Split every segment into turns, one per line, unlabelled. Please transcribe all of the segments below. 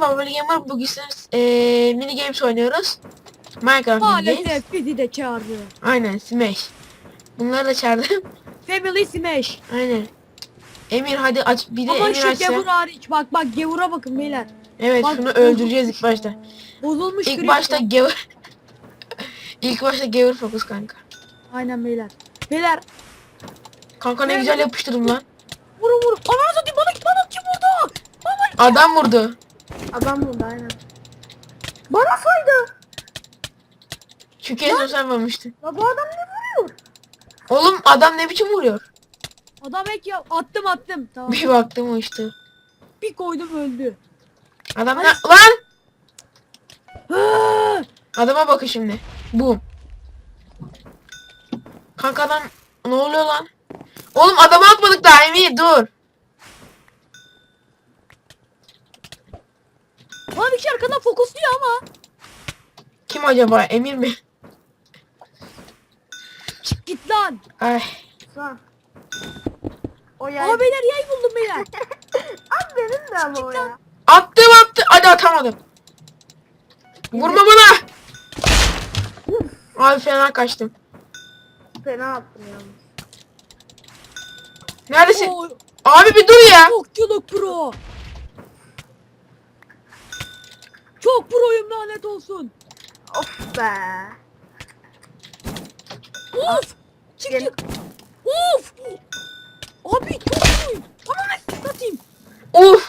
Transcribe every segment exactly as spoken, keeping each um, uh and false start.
Bubble Gamer. Bugün eee mini games oynuyoruz. Minecraft mini games.
Maalesef bizi de çağırdı.
Aynen Smash. Bunları da çağırdım.
Family Smash.
Aynen. Emir hadi aç. Bir de
Ama
Emir
şu
açsa.
gevur hariç. Bak bak gevura bakın beyler.
Evet
Bak,
şunu öldüreceğiz ilk
bozulmuş
başta.
ya. Bozulmuş
İlk
grip
başta
ya.
gevur. İlk başta gevur fokus kanka.
Aynen beyler. Beyler
Kanka ne
Evet.
güzel yapıştırdım lan.
vurun vurun. Ananı satayım bana bana kim vurdu? Bana
Adam vurdu.
Adam burada aynen. Bana saydı.
Çünkü en son sen vurmuştun.
Ya bu adam ne vuruyor?
Oğlum adam ne biçim vuruyor?
adam ek ya attım attım. Tamam.
Bir baktım o işte.
Bir koydum öldü.
Adam ne?
Ay.
Lan!
Ha!
Adama bakın şimdi. Boom. Kanka adam ne oluyor lan? Oğlum adamı atmadık daha Emir dur.
Bana bir şey arkadan fokusluyor ama.
Kim acaba? Emir mi?
Çık git lan.
Ay.
Lan. O yer.
Aa beyler yay buldum beyler.
Abi benim de ama o ya.
Attım attı. Hadi atamadım. Vurma bana. Abi fena kaçtım.
Fena attım yalnız.
Neredesin?
Oo,
Abi bir dur ya.
çok çoluk pro. Çok proyum lanet olsun.
Of be.
Of. Çık
Gel.
çık. Of. Abi çok proyum. Tamam satayım.
Uf.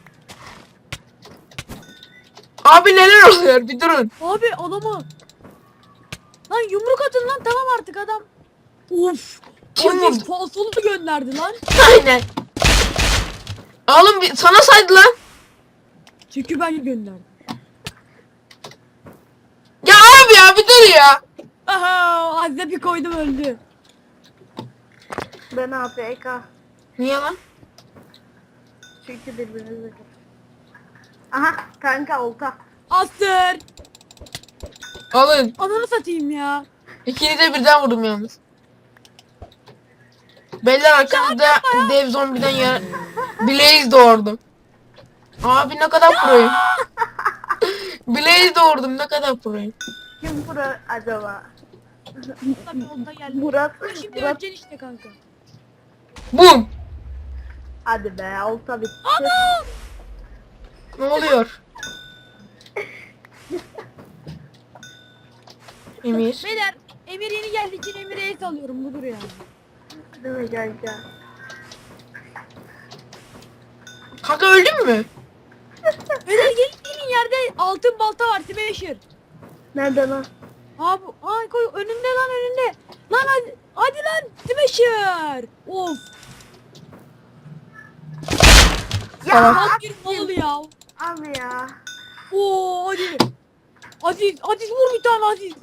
Abi neler oluyor? Bir durun.
Abi adamı. Lan yumruk atın lan tamam artık adam. Of.
Kim
Aziz
vurdu?
falsolu gönderdi lan.
Aynen. Oğlum bir, sana saydı lan.
Çünkü ben gönderdim.
Ya abi ya bir dur ya.
Aha Aziz'e bir koydum öldü.
Ben A F K.
Niye lan?
Çünkü birbirinize kapı. Aha kanka olta.
Astır.
Alın.
Ananı satayım ya.
İkiniz de birden vurdum yalnız. Beyler arkamızda dev zombiden ya Blaze doğurdum. Abi ne kadar proyum. Blaze doğurdum ne kadar proyum.
Kim bura acaba?
Tabii onda geldi.
Murat.
Şimdi
Murat.
öleceksin işte kanka.
Bum.
Hadi be olta bitti.
Anam.
Ne oluyor? Emir.
Beyler Emir yeni geldiği için Emir'e el alıyorum budur yani.
Değil mi kanka?
Kanka öldün mü?
Beyler gelin yerde altın balta var Smasher.
Nerede lan?
Ha bu ay koy önünde lan önünde. Lan hadi, hadi lan Smasher. Of.
Ya
Tamam.
Tam bir mal ya.
abi ya.
Oo hadi. Aziz Aziz vur bir tane Aziz.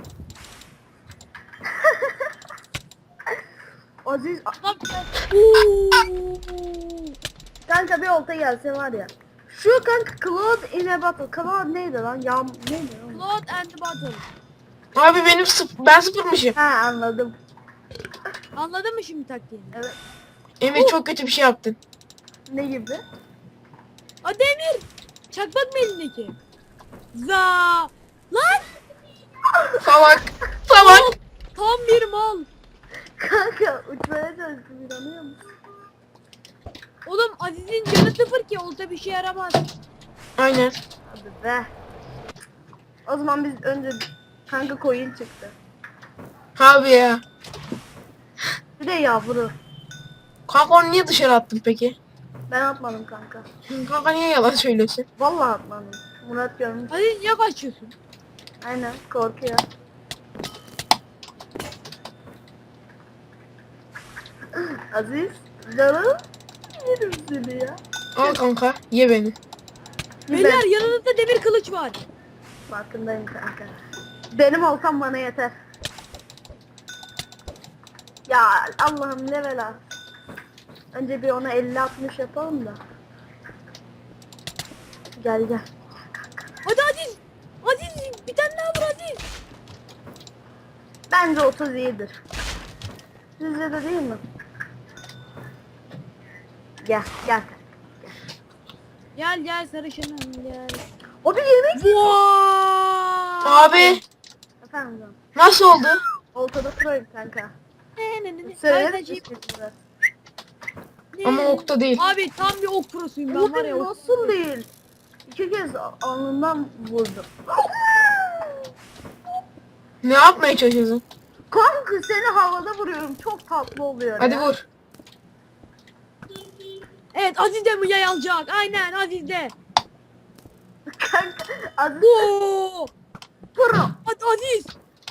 Aziz
Lan Oo.
kanka bir olta gelse var ya. Şu kanka Cloud in a Battle. Cloud neydi lan? Yağm neydi lan?
Cloud and Battle.
Abi benim sıf ben sıfırmışım.
Ha anladım.
Anladın mı şimdi taktiğini?
Evet.
Emir çok kötü bir şey yaptın.
Ne gibi?
Hadi Emir. Çakmak mı elindeki? Za. Lan.
Salak. Salak.
Tam bir mal.
Kanka uçmaya çalıştım inanıyor musun?
Oğlum Aziz'in canı sıfır ki olsa bir şey yaramaz.
Aynen.
Hadi be. O zaman biz önce kanka coin çıktı.
Abi ya.
Bir de yavru.
Kanka onu niye dışarı attın peki?
Ben atmadım kanka.
Kanka niye yalan söylüyorsun?
Vallahi atmadım. Murat görmüş.
Aziz niye kaçıyorsun?
Aynen korkuyor. Aziz canım yerim seni ya.
Al kanka ye beni.
Beyler yanınızda demir kılıç var.
Farkındayım kanka. Benim olsam bana yeter. Ya Allah'ım level at. Önce bir ona elli altmış yapalım da. Gel gel.
Hadi Aziz. Aziz bir tane daha vur Aziz.
Bence otuz iyidir. Sizce de değil mi? Gel gel.
Gel gel sarışınım gel.
O bir yemek.
Vay.
Abi
Efendim canım.
nasıl oldu?
Oltada proyum kanka.
Ne ne ne ne.
Söyle.
Kankacığım, ne?
Ama okta değil.
Abi tam bir ok prosuyum ben var ya.
Bugün
ok-
nasıl değil? İki kez alnından vurdum.
Ne yapmaya çalışıyorsun?
Kanka seni havada vuruyorum. Çok tatlı oluyor
Hadi
ya.
vur.
Evet Aziz de mi yay alacak? Aynen Aziz de.
Kanka Aziz
Oo.
pro.
Hadi Aziz.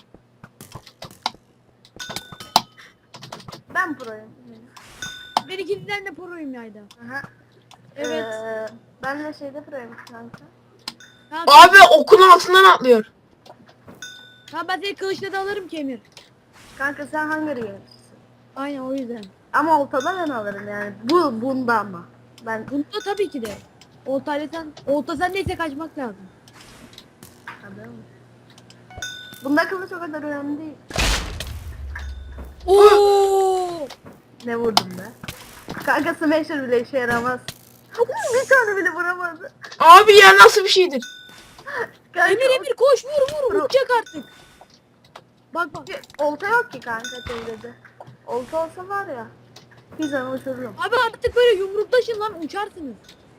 Ben proyum.
Ben ikinciden de proyum yayda.
Aha.
Evet.
Ee, ben de şeyde proyum kanka.
Kanka,
Abi okun altından atlıyor.
kanka ben seni kılıçla da alırım ki Emir.
Kanka sen hangi yöneticisin?
Aynen o yüzden.
Ama oltada ben alırım yani. Bu bunda ama. Ben
Bunda tabii ki de. Oltayla sen, olta sen neyse kaçmak lazım.
Tabii. Bunda kılıç o kadar önemli değil.
Oo!
Ne vurdum be? Kanka smasher bile işe yaramaz. Bir tane bile vuramadı.
Abi ya nasıl bir şeydir?
Kanka,
Emir Emir koş vur vur
Vur.
uçacak artık. Bak bak.
o- Olta yok ki kanka çevrede. Olta olsa var ya. Bir zaman uçururum.
Abi artık böyle yumruktaşın lan uçarsınız.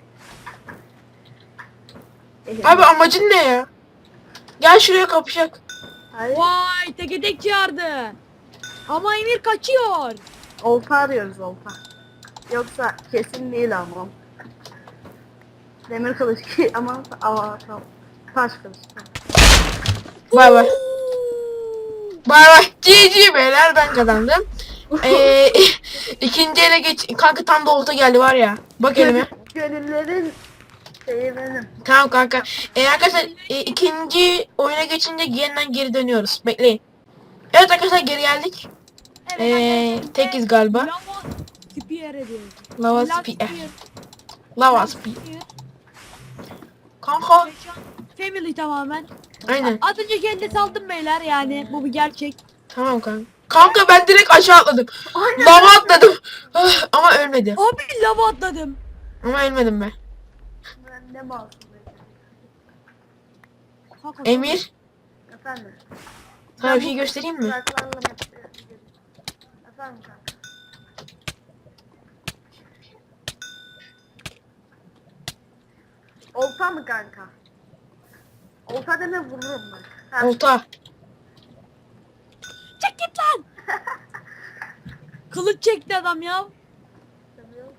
Abi amacın ne ya? Gel şuraya kapışak.
Hayır.
Vay teke tek çağırdı. Ama Emir kaçıyor.
Olta arıyoruz olta. Yoksa kesin değil ama. Demir kılıç ki ama aa tamam. Taş kılıç.
Bay bay. Bay bay. G G beyler ben kazandım. Ee, ikinci ele geç. Kanka tam da olta geldi var ya. Bak elime.
Gönüllerin şeyi benim.
Tamam kanka. Ee, arkadaşlar e, ikinci oyuna geçince yeniden geri dönüyoruz. Bekleyin. Evet arkadaşlar geri geldik.
Evet,
Ee,
arkadaşlar,
tekiz galiba.
Lava Spear ediyoruz.
Lava
Lava
spear.
Spear.
Lava speed. Kanka.
Family tamamen.
Aynen.
Az önce kendi saldım beyler yani bu bir gerçek.
Tamam kanka. Kanka ben direkt aşağı atladım.
Aynen.
Lava atladım. Ah, ama ölmedim.
Abi lava atladım.
Ama ölmedim ben.
Ben ne masum.
Kanka,
Emir.
Efendim.
Sana bir şey göstereyim mi?
Uzaklarla hep- Efendim kanka. Olta mı kanka? Olta deme vururum bak. Ha,
Olta.
Çek git lan. Kılıç çekti adam ya.
seviyorum.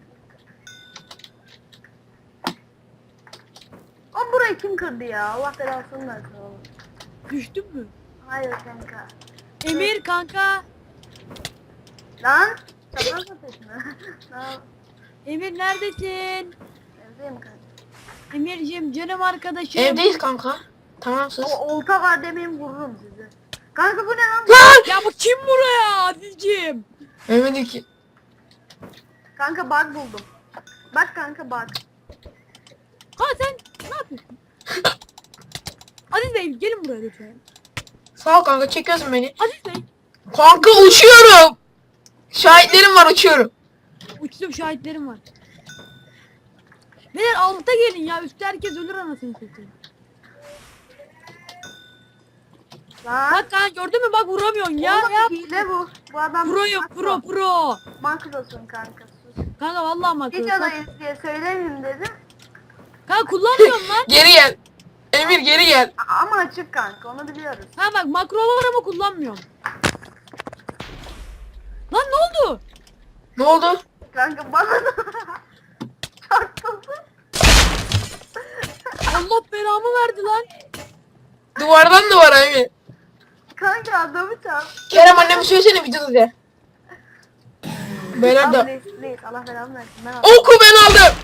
O burayı kim kırdı ya? Allah belasını versin oğlum.
Düştün mü?
Hayır kanka.
Emir kanka.
Lan! Çapraz ateşme. Lan
Emir neredesin?
evdeyim kanka.
Emir'cim canım arkadaşım.
Evdeyiz kanka. Tamam sus.
O olta var demeyin vururum sizi. Kanka bu ne lan?
Lan!
Ya bu kim buraya Aziz'cim?
Ölmedim ki.
Kanka bug buldum. Bak kanka bug.
Ha sen ne yapıyorsun? Aziz Bey gelin buraya lütfen.
Sağ ol kanka çekiyorsun beni.
Aziz Bey.
Kanka uçuyorum. Şahitlerim var uçuyorum.
Uçtum şahitlerim var. Beyler alta gelin ya üstte herkes ölür anasını satayım.
Lan.
Bak kanka gördün mü bak vuramıyorsun ya.
Oğlum
ya.
hile bu. Bu adam
Pro'yum
makro.
pro pro.
Makrosun kanka sus.
Kanka vallahi makro.
Videodayız diye söylemeyeyim dedim.
Kanka kullanmıyorum lan.
Geri gel. Emir geri gel.
A- Ama açık kanka onu biliyoruz.
Ha bak makro var ama kullanmıyorum. Lan ne oldu?
Ne oldu?
Kanka bana da çarpıldı.
Allah belamı verdi lan.
Duvardan duvara Emir.
Kanka adamı çarptı.
Kerem anneme söylesene videoda de. Beyler
Abi
de.
please please Allah belamı versin. Ben aldım.
Oku ben aldım.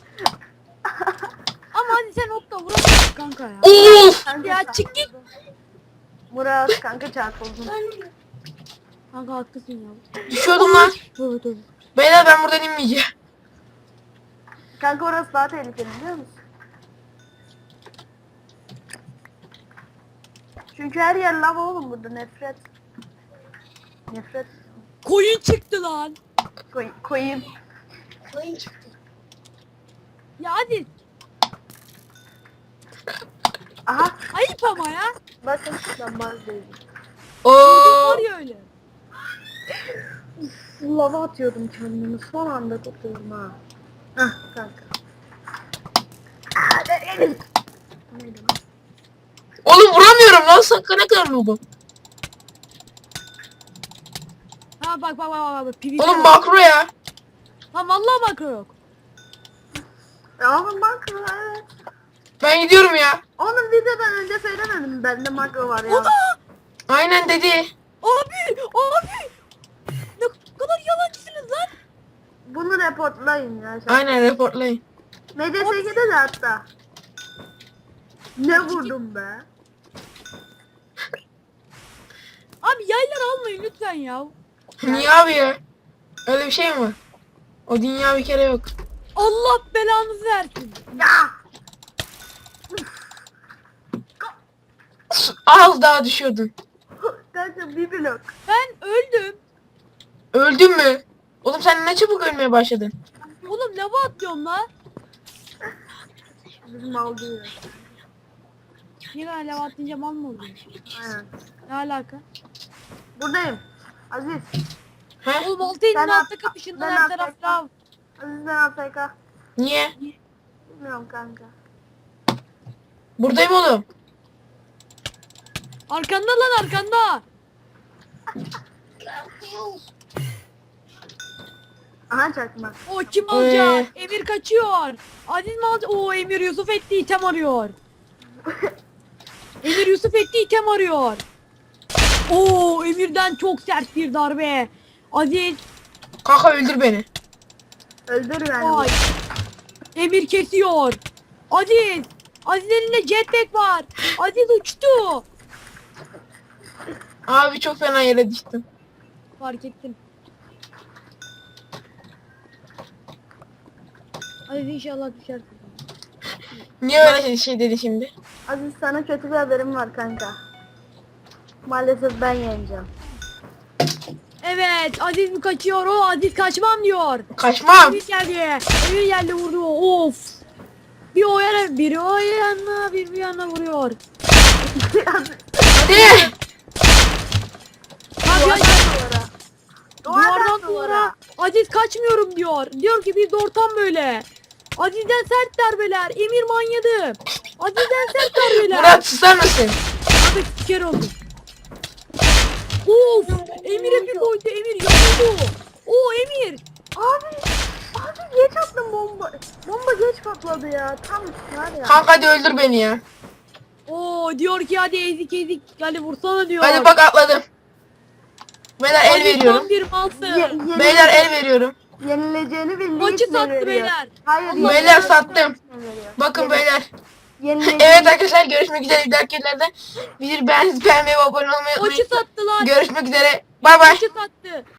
Ama hadi sen okla vuramıyorsun kanka ya.
Of.
Kanka
Ya
çarpıldı.
çık git.
Murat kanka çarpıldın.
Kanka haklısın ya.
Düşüyordum lan.
Tövbe tövbe.
Beyler ben buradan inmeyeceğim.
Kanka orası daha tehlikeli biliyor musun? Çünkü her yer lava oğlum burada nefret. Nefret.
Koyun çıktı lan.
Koy, koyayım.
Ya hadi. ama ya.
Bakın ben bazdayım.
Oo.
Var ya öyle.
Lava atıyordum kendimi. Son anda tutuyorum ha. Hah kanka. Aa, de- de- Neydi lan?
Oğlum vuramıyorum lan, sakın ne kadar noobum.
Ha bak bak bak bak. P V P.
Oğlum makro ya.
Lan vallahi makro yok.
Ya oğlum makro evet.
Ben gidiyorum ya.
Onun videodan önce söylemedim bende makro var ya.
O da.
Aynen dedi.
Abi abi. Ne kadar yalancısınız lan.
Bunu reportlayın ya. Sen.
Aynen reportlayın.
M D S G'de de hatta. Ne vurdum be?
Abi yayları almayın lütfen ya.
Niye abi ya? Öyle bir şey mi var? O dünya bir kere yok.
Allah belanızı versin.
Ya!
Az daha düşüyordun.
Kanka bir blok.
Ben öldüm.
Öldün mü? Oğlum sen ne çabuk ölmeye başladın.
Oğlum lava atlıyorum lan.
Bizim aldığı.
Niye ben lava atlayınca mal mı oluyor?
Aynen.
Ne alaka?
Buradayım. Aziz.
He?
Oğlum altı elini
Ben
atla
at-
kapışından
ben
her
at-
taraf lav.
Aziz ben A F K.
Niye?
Bilmiyorum kanka.
Buradayım oğlum.
Arkanda lan arkanda.
Aha çakma.
O kim alacak? Emir kaçıyor. Aziz mi alacak? Oo Emir Yusuf etti item arıyor. Emir Yusuf etti item arıyor. Oo Emir'den çok sert bir darbe. Aziz
Kanka öldür beni.
Öldür beni.
vay. Emir kesiyor. Aziz. Aziz elinde jetpack var. Aziz uçtu.
Abi çok fena yere düştüm.
Fark ettim. Aziz inşallah düşersin.
Niye öyle şey, şey dedi şimdi?
Aziz sana kötü bir haberim var kanka. Maalesef ben yeneceğim.
Evet Aziz mi kaçıyor? O Aziz kaçmam diyor.
Kaçmam.
Emir geldi. Emir geldi vurdu. Of. Bir o yana, biri o yana, bir bir yana vuruyor.
Hadi.
Hadi hadi.
Duvara.
Duvardan duvara. Aziz kaçmıyorum diyor. Diyor ki biz de ortam böyle. Aziz'den sert darbeler. Emir manyadı. Aziz'den sert darbeler.
Murat susar mısın?
Abi siker oldu. Of. Emir'e bir koydu. Emir yanıldı. Oo Emir.
Abi. Abi geç attım bomba. Bomba geç patladı ya. Tam var ya.
Kanka hadi öldür beni ya.
Oo diyor ki hadi ezik ezik. Hadi vursana diyor.
Hadi bak atladım. Beyler el
Aziz
veriyorum.
tam bir malsın.
Ye- yeni-
Beyler el veriyorum.
Yenileceğini bildiği
Maçı
için
sattı
veriyor.
beyler.
Hayır.
Allah
Beyler
yenileceğini
sattım.
bildiği için veriyor.
Bakın
Yeni-
beyler.
yenileceğini-
Evet arkadaşlar görüşmek üzere. Bir dahaki yerlerde bizi beğenmeyi, beğenmeyi ve abone olmayı
Maçı
unutmayın.
sattı lan.
Görüşmek üzere. Bay bay.
Maçı sattı.